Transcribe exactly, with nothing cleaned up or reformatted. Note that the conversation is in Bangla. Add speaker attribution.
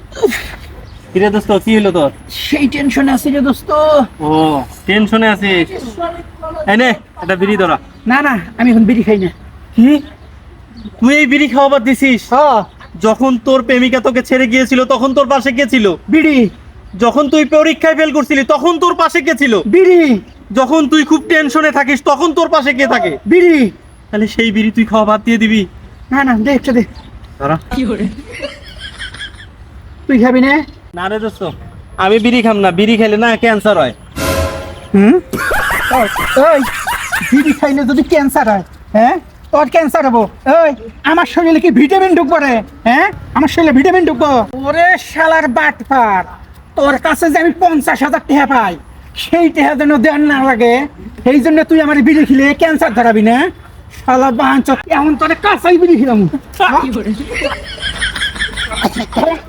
Speaker 1: কিরে দোস্ত কি হলো তোর?
Speaker 2: সেই টেনশনে আছি রে দোস্ত।
Speaker 1: ও টেনশনে আছিস? এই নে একটা বিড়ি ধরা।
Speaker 2: না না, আমি এখন বিড়ি খাই না।
Speaker 1: কি তুই এই বিড়ি খাওয়া বাদ দিছিস?
Speaker 2: হ্যাঁ,
Speaker 1: যখন তোর প্রেমিকা তোকে ছেড়ে গিয়েছিল তখন তোর পাশে কে ছিল?
Speaker 2: বিড়ি
Speaker 1: যখন তুই পরীক্ষায় ফেল করছিলি তখন তোর পাশে কে ছিল?
Speaker 2: বিড়ি
Speaker 1: যখন তুই খুব টেনশনে থাকিস তখন তোর পাশে কে থাকে?
Speaker 2: বিড়ি।
Speaker 1: তাহলে সেই বিড়ি তুই খাওয়া বাদ দিয়ে দিবি?
Speaker 2: না না, দে একটা দে।
Speaker 1: ধরা।
Speaker 2: তুই খাবি না?
Speaker 1: না রে দোস্ত, আমি বিড়ি খাম না, বিড়ি খেলে না ক্যান্সার হয়।
Speaker 2: হুম, ওই ওই, বিড়ি খাইলে যদি ক্যান্সার হয়, হ্যাঁ তোর ক্যান্সার হবো। ওই আমার শরীরে কি ভিটামিন ঢুকবো রে? হ্যাঁ, আমার শরীরে ভিটামিন ঢুকবো? ওরে শালার বাটপার, তোর কাছে যে আমি পঞ্চাশ হাজার টাকা পাই সেই টাকা যেন দেওয়ার না লাগে, সেই জন্য তুই আমার বিড়ি খেলে ক্যান্সার ধরাবি না? শালা বাঞ্চ, এমন তোরে কাঁচাই বিড়ি খেলাম।